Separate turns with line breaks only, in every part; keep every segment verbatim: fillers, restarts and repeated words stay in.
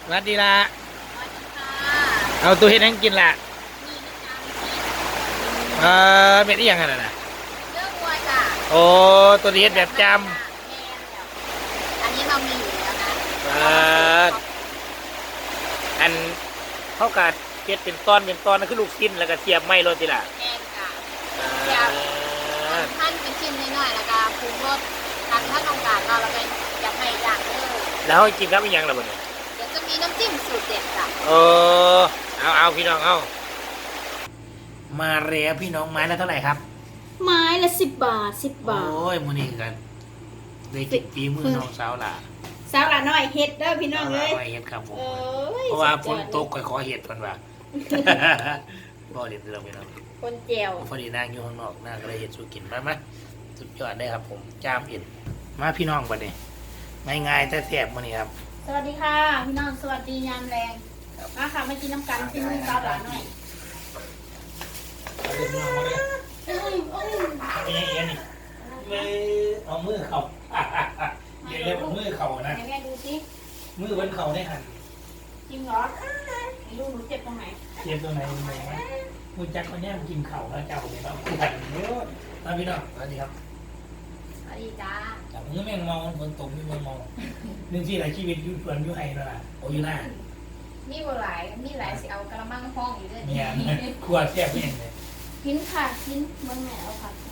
สวัสดีละ
สวัสดีค่ะ
เอาตัวเห็ดให้กินละ
มีน้ำตาล
เออเป็นอีหยังไงนะ
เลือกวัวจ้ะ
โอ้ตัวเห็ดแบบจำ
แม่แล้วอันนี้เรามีอยู่แล้วนะ
เอออันเขากัดเห็ดเป็นตอนเป็นตอนนั่นคือลูกชิ้นแล้วก็เสียบไม้รถทีละ
แม่จ้ะ
เอ
เดี๋ยว
อ
ท่านเป็นชิ้นน้อยๆแล้วก็ปรุงรสทางท่านองการเราแล้วก็อยากให้อย่างเด้อ
แล้วเขากินครับอีหยังล่ะบ่เนี่ย
เดี๋ยวจะมีน้ำจิ้มสูตรเด็ดจ้ะ
เออเอาเอาพี่น้องเอามาแล้วพี่น้องไม้ละเท่าไหร่ครับ
ไม้ละสิบบาทสิบบาท
โอ้ยมื้อนี้กันได้กินปีมือน้องสาวล่ะ
สาวละน้อยเฮ็ดเด้อพี่น้องเลย
น้อยเฮ็ดครับผมเพราะว่าฝนตกค่อยขอเฮ็ดเพิ่นว่าบ่เล่นเรื่องพี่น้อง
คนเจียว
พอดีนางอยู่ข้างนอกนางก็เลยเฮ็ดสู่กินมามาสุดยอดได้ครับผมจามเอ็นมาพี่น้องบัดนี้ไม่ง่ายแต่แซ่บมื้อนี้ครับ
สวัสดีค่ะพี่น้องสวัสดียามแรงมาค่ะมากินน้ำกันที่มือสาวละน้อย
เอาเรื่องน้องมาเลยเอ้ยเอ้ยเป็นยังไงนี่เลยเอามือเข้าเดี๋ยวเรียกมือเข้านะ
แม่ดูสิ
มือมันเข้าได้หั่น
จริงเหรอไม่รู้หนูเจ็บตรงไหน
เจ็บตรงไหนตรงไหนวะมือจักคนนี้มันกินเข่าแล้วเจ้าเนี่ยเราคุยกันเยอะมาพี่น้องสวัสดีครับ
สวัสดีจ้า
จากมือแมงมองฝนตกมีแมงมองหนึ่งที่หลายชีวิตอยู่สวนอยู่ไห้นั่นแหละโอ้ยหน้า
มีบัวหลายมีหลายสิเอากระมังห้องอยู่ด้วย
เนี่ยขวดแซ่บเองเลย
กินค่ะกินเมื่อไงเอาผัก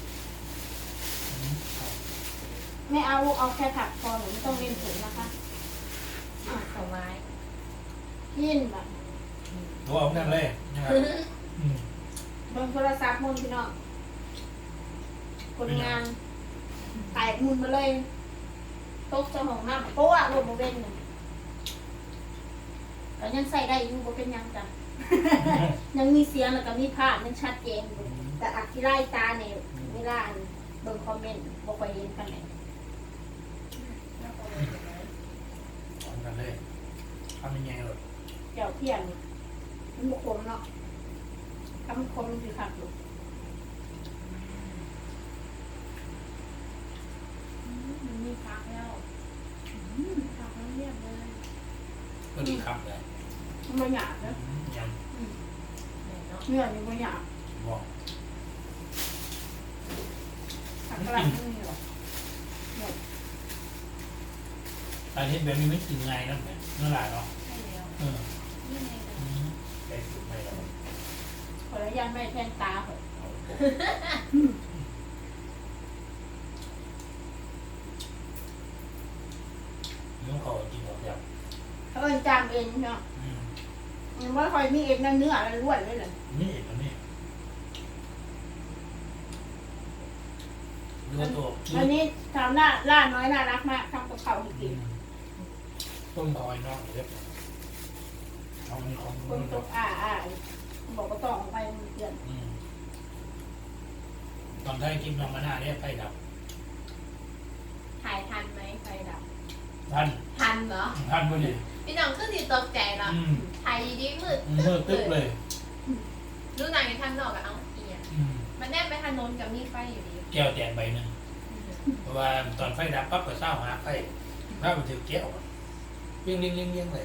ไม่เอาลูกเอาแค่ผักพอหนูไม่ต้องเล่นถึงนะคะผลไม้กินแบบ
ตัวเอานั่นเลย
บนโทรศัพท์มุนพี่น้องคนงานแตกมุนมาเลยตกเจ้าของน้ำโป๊ะรวมโมเบนหนึ่งแต่ยังใส่ได้อยู่ก็เป็นยังจ้ะยังมีเสียงแล้วก็มีภาพยังชัดเจนแต่อักที่ไล่ตาเนี่ยเวลาเบิ่งคอมเมนต์บอกไปเห็นกันไหน
ทำกันเลยทำยังไงหรอ
เจ้าเพียนมันบุคคลเนาะทำคมคือขับอยู่มันมีพักแล้วพักแล้วเรียบเลย
ก็ดีครับเลย
มันไม่หยาบนะ
ยัง
เนื้อยังไม่หยาบ
บอก
ผักกระหล่ำไม่มีหรอก
ตอนนี้แบบนี้ไม่กินไงนะเนี่ยเนื้อหลายเนาะ
ใช่แล้ว
เออไปสุดไปแล้ว
คนละยันไม่แทนตาเหรอ
น้องเขากินหมดแล้ว
เขาเอ็นจามเอ็นเนาะยังว่าคอยมีเอ็นนั่นเนื้ออะไรล้วนเลยเหรอ
นี่เอ็นแล้วนี่เนื้อตัว
อันนี้ทำหน้าล่าน้อยน่ารักมากทำกับเขาจริง
ต้มคอยนอกเล็บเอามีของ
คนตกอ่าอ่าบอกว่าต้องไปมันเกิน
ตอนได้กินน้ำมันหน้าเนี่ยไฟดับ
ถ่ายทันไหมไฟดับ
ทัน
ทันเหรอ
ทันพอดี
พี่น้องขึ้นดีตกใจเนาะถ่ายดีมืด
มืดตึ๊บเลย
รู้นางในทันนอกกับเอาเอียมันแนบไปทันนนกับมีไฟอยู่ดี
แก้วแจกใบหนึ่งเพราะว่าตอนไฟดับปั๊บก็เศร้าหาไฟถ้ามันถือแก้วเลี้ยงเลี้ยงเลี้ยงเลี้ยงเลย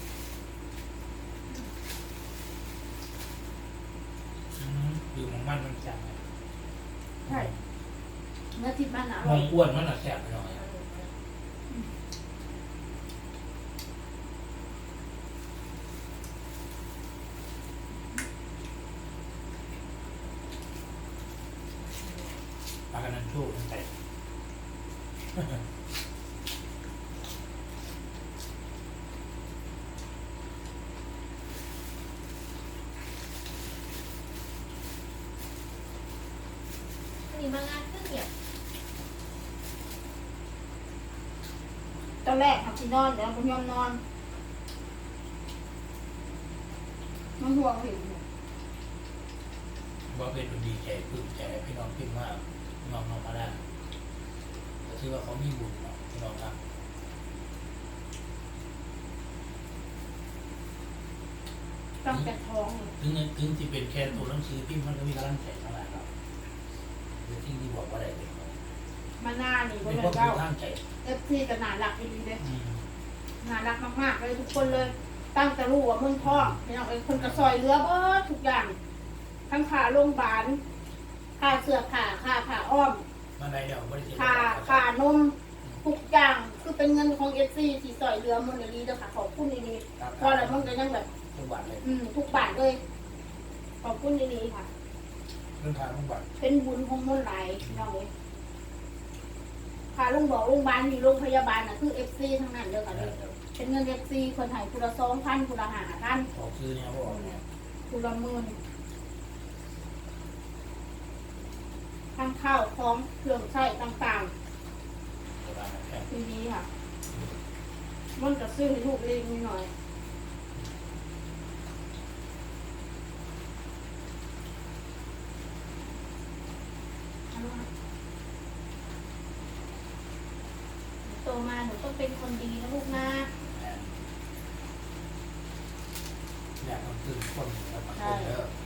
ดูของมันมันจัง
ใช่เนื้อทิพย์มันอ
ร่อยมองอ้วนมันหนักแสบไปหน่อยปลากันนั่นชู้ตั้งแต่
มางานขึ้นเนี่ยตอนแรกทำที่นอนเดี๋ยวผมยอมนอนมันห่วงอยู่
ว่าเป็นดีใจพึ่งใจพี่น้องพิมพ์ว่าน้องน้องมาได้แต่ที่ว่าเขามีบุญเนาะพี่น้องครับ
ต้องแต่ท้อง
ถึงถึงที่เป็นแค่ตัวหนังสือพิมพ์มันก็มีกำลังใจเท่าไหร่ครับหรือที่ที่บอกว่าอะไรเป็น
มาหน้านี่
เป็นพวกที่ทางใจ
เอฟซีกับหนาหลักดีเลยน่ารักมากๆเลยทุกคนเลยตั้งแต่รู้ว่ามึงพ่อพี่น้องไอ้คนกระซอยเรือเบิดทุกอย่างทั้งค่าโรงพยาบาลค่าเสื้อผ้าค่าผ้าอ้อม
มาได้เดี๋ยวไม่ได้
ค่าค่านมทุกอย่างคือเป็นเงินของเอฟซีที่ซอยเรือมันเลยเด้อค่ะขอบคุณดีๆเพราะอะไรมันก็ยังแบบ
ทุกบาทเลย
อืมทุกบาทเลยขอบคุณดีๆค่ะ
เรื่องทางทุกบาท
เป็นบุญของมันหลายพี่น้องเลยค่ะลุงบอกโรงพยาบาลมีโรงพยาบาลน่ะคือเอฟซีทั้งนั้นเด้อค่ะเด้อเป็นเงินเอฟซีคนไทยคุณละสองพันคุณละห้าพัน
ออกซื้อเนี่ยบอกเนี่ย
คุณละหมื่นทั้งข้าวของเครื่องใช้ต่าง
โบราณแค่
ๆทีนี้ค่ะ มันจะซื้อให้ลูกเล็กนิดหน่อยโตมาหนูต้องเป็นคนดีนะลูกนะ
อยากต้องซื้อคนแล้วมาคนเยอะ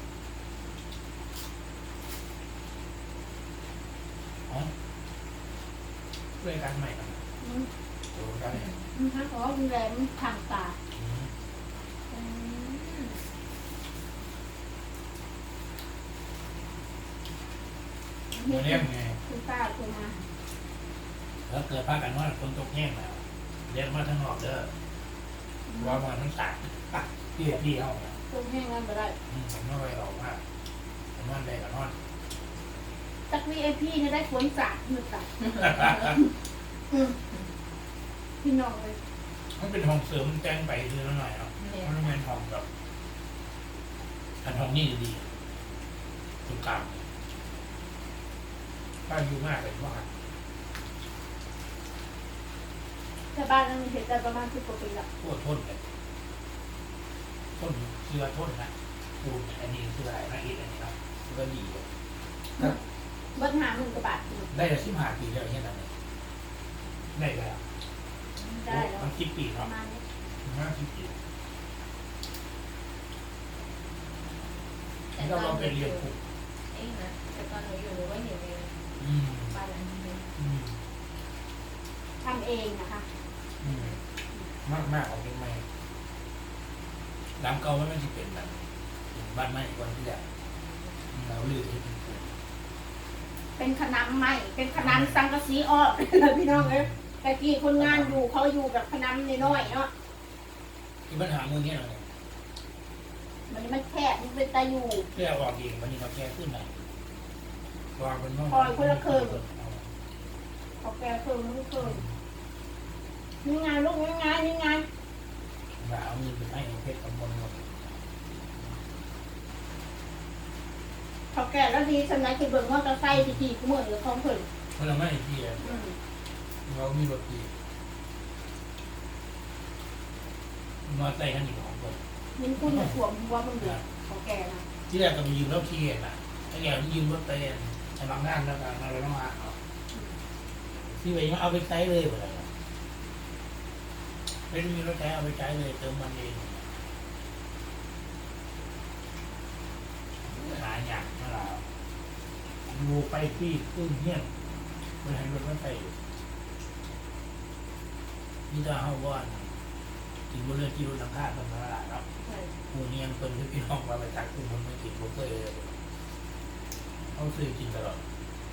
อ๋อเรื่องการใหม่กัน
อืม
โอ้การเนี่ย
อืมถ้าขอดูแลมันทางตาอืม
มาเลี้ยงไง
คุณป้าคุณมา
แล้วเกิดพากันว่าคนตกแห้งแล้วเลี้ยงมาทั้งนอกเด้อว่ามาทั้งต่างพี่พี่เขา
ต้มแห้งนั่นไปได้
ผมไม่ไปออกว่าผมนอนได้กับนอน
จักวีไอพีเนี่ยได้ฝนจากมือตัดอืมพี่น้องเลย
มันเป็นห้องเสริมแจ้งไปคือหน่อยเนาะมันเป็นห้องแบบอันห้องนี่ดีตรงกลางถ้าอยู่มากเลยว่า
แต่บ้านนั้นมีเหตุการณ์ประมาณสิบกว่าปีละ
ปวดทนเลยทนเสื้อทนนะปูนอันนี้เสื้ออะไรนะอีกอันนี้ครับก็ดีเลย
เบิ้ลหาหมื่นกว่าบาท
ได้ละสิบห้าปีแล้วเห็นอะไรได้แล้ว
ได้แล้ว
มันคิดปี
ป
เนาะ
ระมาณนี้
ห้าสิบปีแล้วเราไปเรียนคุก
เองนะแต่ตอนหนูอยู่หนูก็เห็นเลย
อืม
บ้านหลังนี้
อืม
ทำเองนะคะ
อืมมากมากของเป็นไม่หลังเก่ามันไม่ใช่เป็นแบบบ้านไม้ก่อนที่จะเราลือที่เป็นคุก
เป็นขนำใหม่เป็นขนำสังกะสีออก พี่น้องเลยแต่กี้คนงานอยู่เขาอยู่แบบขนำน้อยๆเนาะ
ที่ปัญหามือเนี่ยเราเนี่ย
มันมันแคบมันเป็นตาอยู่
เพื่อออกเองวันนี้เราแก้ขึ้นไหนวางเป็นห้อง
เขาแก่เพิ่มลูกเพิ่มนี่ไงลูกนี่ไงนี่ไง
ว่าเอาเงินไปให้เพชรกำมลหมด
เขาแก่แล้วดีสมัยคือเบิ่งมอเตอร์ไซค์ที่ขี่ขโมยหรือของเพิ่น
เพราะเราไม่ที่
อืม
เรามีรถดีมาใส่กันอีกของคน
มินคุณจะถ่วงหัวมันเดือดเขาแก่นะ
ที่แรกก็ไปยืมรถที่เห็นนะไอ้แกยืมรถไปใช้บางงานแล้วกันเราต้องมาเอาที่ไปยังเอาไปใช้เลยหมดเลยไม่ได้มีรถใช้เอาไปใช้เลยเติมมันเองหาอย่างนั่นแหละดูไปที่ขึ้นเงี้ยไปให้รถมันไปนี่ถ้าเขาว่ากินบนเรือที่รถหลังคาตรงนั้นแหละเนาะหมูเนียงคนที่พี่น้องมาไปตักกุ้งมันไม่กินบุฟเฟ่เลยเขาซื้อกินตลอด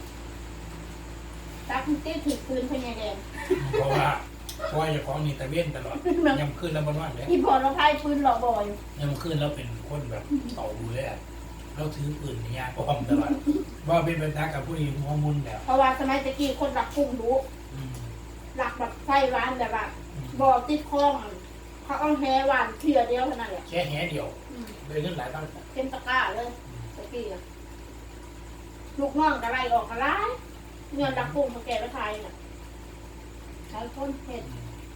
ตาคุณตี้ถือปืนพญาแดง
เพราะว่าเพราะว่าจะของนี่ตะเวนตลอดยำขึ้นแล้วบนวันเลย
ที่พอเราพายปืนหลอกบ่อย
ยำขึ้นแล้วเป็นคนแบบเต่าดูเลยอะเราถือปืนนี่ยากพร้อมตลอดว่าเป็นบรรทักกับผู้หญิงหัวมุนแล้ว
เพราะว่าสมัยตะกี้คนรักกุ้งรู้
อืม
รักแบบไฟร้านแบบว่าบ่อติดคลองเขาเอาแฮหวานเทียเดียวเท่านั้นแหละ
แค่แหเดียว
อืม
เลยขึ้นหลายตั้ง
เต็มตะกร้าเลยตะกี้อะลูกน้องกระไรออกกระไรเงินรักกุ้งมาแก่ไปขายน่ะขายคนเห็ด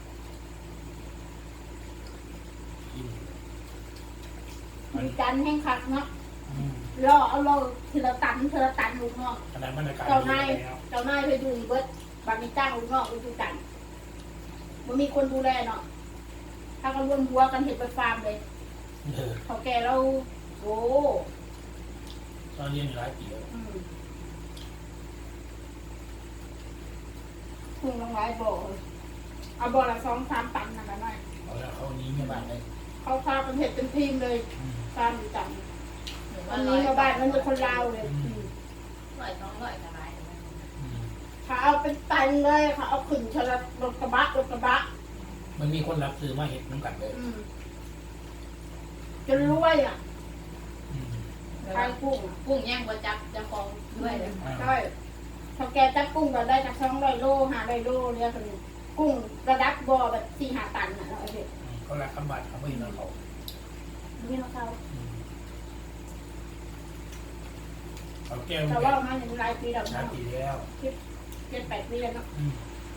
กิน
มีจันแห้งคักเนาะ
อืม
ล่อเอาล่อทีละตันทีละตันลูกน้อง
ขนาดบรรยากาศ
เจ้า
ดี
นาย
แล้ว
เจ้านายไปดูอีเบิร์ดบางมีจ้างลูกน้องไปดูกันมันมีคนดูแลเนาะถ้ากันรวมหัวกันเห็ดไปฟาร์มเลย
เออ
เขาแก่เราโอ้
ตอนเรียนอยู่หลายปีแล้ว
อืมคุณลงไลน์บอกเอาเอาบอลละสองสามตันนะกันหน่อย
เอาแล้วเขานี้ไม่บ้านเลย
เขาพากันเห็ดเป็นทีมเลย
อืม
ตามอยู่จัง
หนู
วั
ว่าน ร้
นี้
อย
มาบ้านมันเป็นคนลาวเลย
ร้อยสองร้อยสบายเลย
อืม
เขาเอาเป็นตันเลยเขาเอาขึ้นชลรถกระบะรถกระบะ
มันมีคนรับซื้อมาเห็ดน้ำกัดเลย
อืมจนรวยอ่ะ
อืม
ขายกุ้งอะ
กุ้งย่างบะจับจะคลองด้วยเลย
ใช่พอแกจับกุ้งก็ได้จากสองร้อยโลห้าร้อยโลเนี่ยคนนี้กุ้งระดับบ่อแบบสี่ห้าตันอ่ะเราเอาเด็ก
อืมเขารักคำบัตรเขาไม่เห็นเขา
นี่เขาเขา
อืมเขาแก้ว
แต่ว่ามาในรายปีเรา
ชา
เนาะ
ติแล้ว
เจ็ดแปดปีแล้วเนาะ
อืม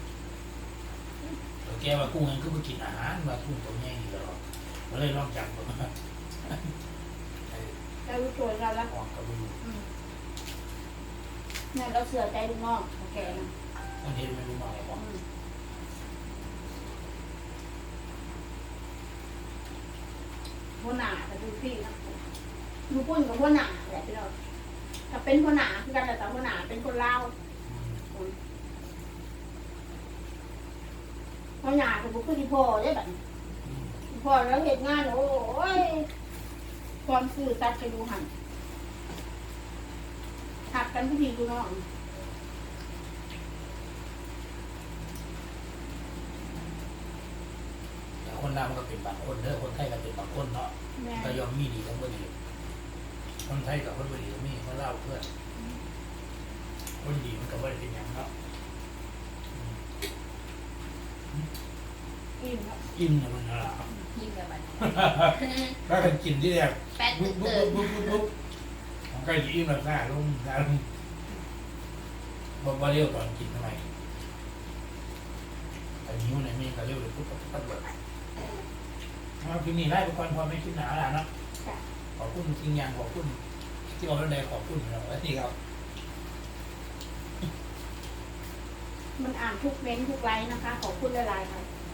เขาแก้ว่ากุ้งนั้นคือไปกินอาหารว่ากุ้งตัวใหญ่อยู่แล้วก็เลยลองจับมันมาไอ้
เรารู้ตัวเราแล้ว
ออกกระดูก
อืมเนี่ยเราเสือใจลูกน้องโอเคนะ
ต้องเห็นไม่รู้มาอะไรบอก
อืมหัวหน้าแต่ดูพี่นะดูปุ้นกับหัวหน้าแหละพี่เราถ้าเป็นหัวหน้าคือกันแต่หัวหน้าเป็นคนลาว
อืม
หัวหน้าคือบุคคลที่พ่อได้แบบ
อืม
พ่อแล้วเหตุงานโอ้ยความซื่อสัตย์ไปดูหันหักกันพี่พี่ดูน้อง
แต่คนลาวมันก็เป็นบางคนเด้อคนไทยก็เป็นบางคนเนาะ
แม่
ก็ยอมมีดีทั้งบ่ดีคนไทยกับคนบ่ดีก็มีคนลาวเพื่อนคนดีมันก็บ่ได้เป็นหยังเนาะ
อิ่มครับ
อิ่มนะมันน่ะ
ยิ้มกับมัน
ถ้ากันกินที่แรก
แป๊ด
ปุ๊บปุ๊
เติ
บบ ปุ๊บปุ๊บปุ๊บของใกล้จะอิ่มแล้วหน้าลงหน้าลงบ่บ่เร็วตอนกินทำไมแต่นิ้วไหนมีก็เร็วเลยปุ๊บปุ๊บปุ๊บปุ๊บเอาทีนี้ไล่ไปก่อนพอไม่คิดหนาแล้วเนาะขอบคุณจริงอย่างขอบคุณที่บอกว่าได้ขอบคุณเราแล้วนี่ครับ
มันอ่านทุกเม้นท์ทุกไลน์นะคะ ขอบคุณหลายๆค่ะ
อ